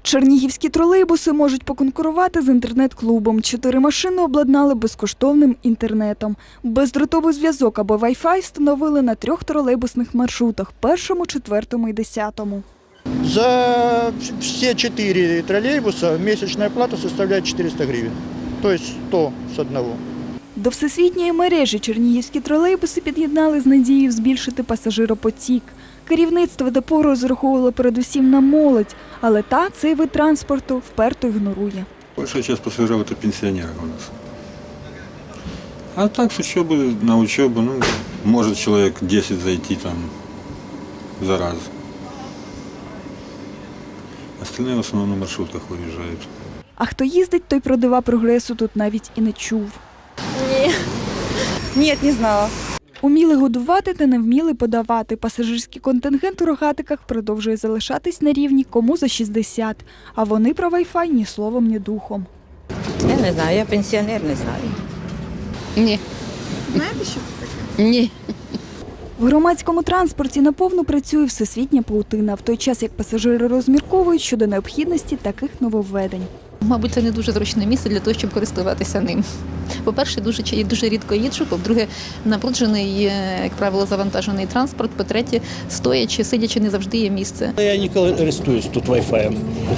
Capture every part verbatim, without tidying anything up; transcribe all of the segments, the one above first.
Чернігівські тролейбуси можуть поконкурувати з інтернет-клубом. Чотири машини обладнали безкоштовним інтернетом. Бездротовий зв'язок або Wi-Fi встановили на трьох тролейбусних маршрутах – першому, четвертому і десятому. За все четыре троллейбуса месячная плата составляет четыреста гривен, то есть сто с одного. До всесвітньої мережі чернігівські тролейбуси під'єднали з надією збільшити пасажиропотік. Керівництво депо розраховувало передусім на молодь, але та цей вид транспорту вперто ігнорує. Большая часть пассажиров – это пенсионеры у нас. А так с учебы на учебу, ну, может человек десять зайти там за раз. Остальные в основном на маршрутках уезжают. А хто їздить, той про дива прогресу тут навіть і не чув. Ні. Ні, не знала. Уміли годувати та не вміли подавати. Пасажирський контингент у Рогатиках продовжує залишатись на рівні кому за шістдесят. А вони про Wi-Fi ні словом, ні духом. Я не знаю, я пенсіонер, не знаю. Ні. Знаєте, що це таке? Ні. В громадському транспорті наповну працює всесвітня паутина, в той час як пасажири розмірковують щодо необхідності таких нововведень. Мабуть, це не дуже зручне місце для того, щоб користуватися ним. По-перше, дуже, дуже рідко їжджу, по-друге, набруджений, як правило, завантажений транспорт, по-третє, стоячи, сидячи, не завжди є місце. Я не користуюсь тут Wi-Fi.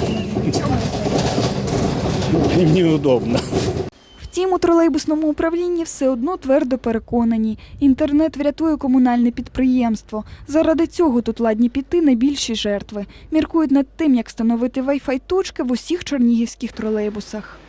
Неудобно. Втім, у тролейбусному управлінні все одно твердо переконані – інтернет врятує комунальне підприємство. Заради цього тут ладні піти на більші жертви. Міркують над тим, як встановити Wi-Fi точки в усіх чернігівських тролейбусах.